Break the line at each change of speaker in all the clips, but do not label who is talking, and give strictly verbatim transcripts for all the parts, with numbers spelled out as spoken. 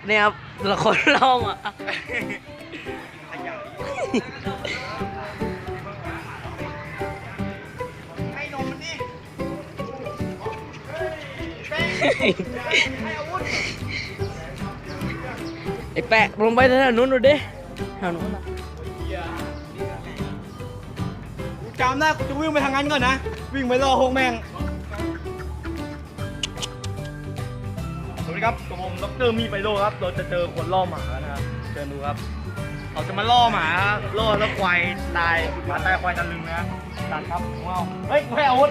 เนี่ยครับละคนล่อมา
ให้นมมันดิให้อาวุธ
ไอ้แปะลงไปแถวนู้นดูดิแถวนู้น
กูจำได้กูจะวิ่งไปทางนั้นก่อนนะวิ่งไปรอโฮงแมงสวัสดีครับกับผมดรมีไปโลครับเราจะเจอคนล่อหมาแล้วนะครับเชิญดูครับเขาจะมาล่อหมาล่อแล้วควายตายหมาตายควายตะลึงนะตัดครับว้าวเฮ้ยให้อาวุธ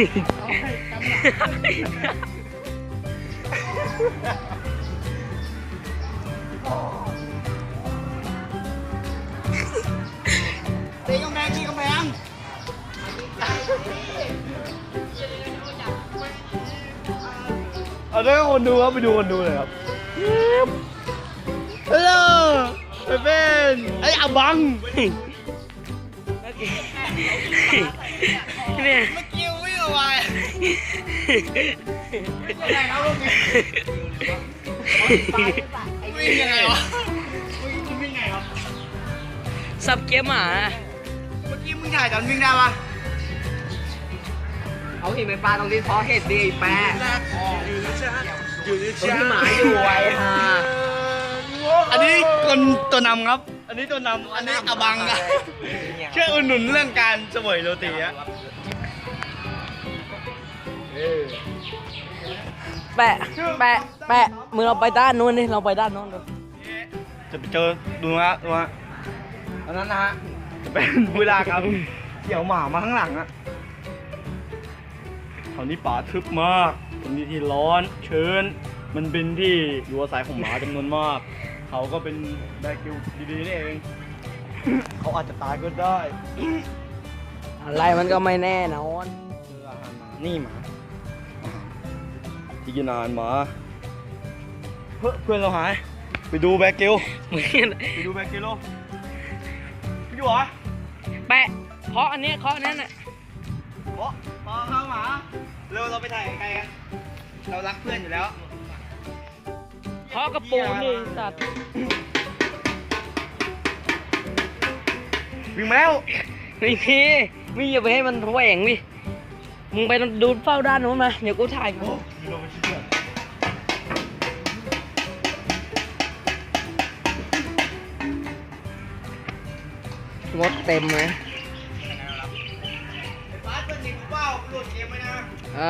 ตีกำแพงตีกำแพงเอาด้วยคนดูครับไปดูคนดูเลยครับฮัลโหลไปเป็นไอ้อาบัง
เนี่ย
เมื่อกี้วิ่งออกมายังไงครับลูกวิ่งยังไงวะวิ่งวิ่งไงครับ
สับเกียร์หมา
เมื่อกี้มึงถ่ายตอนวิ่งได้ปะ
เอาเห็นไหมปลาตรงนี้เพราะเห็ดดีแปะ
อยู่ใน
ตรงที่หมาอยู่ไว้ฮะ
อันนี้คนตัวนำครับ อันนี้ตัวนำอันนี้อาบังอะช่วยอุดหนุนเรื่องการเสวยโรตีอะ
แปะแปะแปะมือเราไปด้านนู้นดิเราไปด้านนู้นดู
จะไปเจอดูนะดูนะอันนั้นนะฮะจะเป็นเวลาครับเกี่ยวหมามาข้างหลังอะตอนนี้ป่าทึบมากตรงนี้ที่ร้อนชื้นมันเป็นที่อยู่อาศัยของหมาจำนวนมาก เขาก็เป็นแบคิวดีๆนี่เอง เขาอาจจะตายก็ได้
อะไรมันก็ไม่แน่นอน
เจออาหารหมานี่หมาที่กินอาหารหมาเฮ้ยเพื่อนเราหายไปดูแบคิวไปดูแบคิวโลไปดูเหรอ
แปะเคาะอันนี้เคาะอันนั้นน่ะ
โอ้พอเข้าหมาเร็วเราไปถ่ายไกลกันเรารักเพื่อนอยู่แล้ว
เคาะกระปูนี่สัตว์
วิ่งมาแล้ว
ไม่มีไม่อย่าไปให้มันแหว่งดิมึงไปดูเฝ้าด้านนู้นมาเดี๋ยวกูถ่ายกู
มีโลไปชิดเลย
งดเต็มเลย
บาสเป็นหนึ่งเป้าหลุดเกมไหมนะ
อ่ะ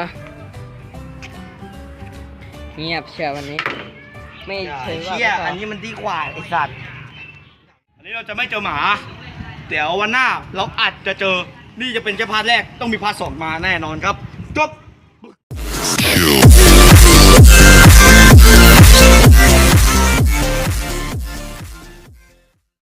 เงียบเชียววันนี้ ไม่เชิงว่า
เชี่ยอันนี้มันดีกว่าไอสัตว์อันนี้เราจะไม่เจอหมาเดี๋ยววันหน้าเราอาจจะเจอนี่จะเป็นแค่พาร์ทแรกต้องมีพาร์ทสองมาแน่นอนครับจบ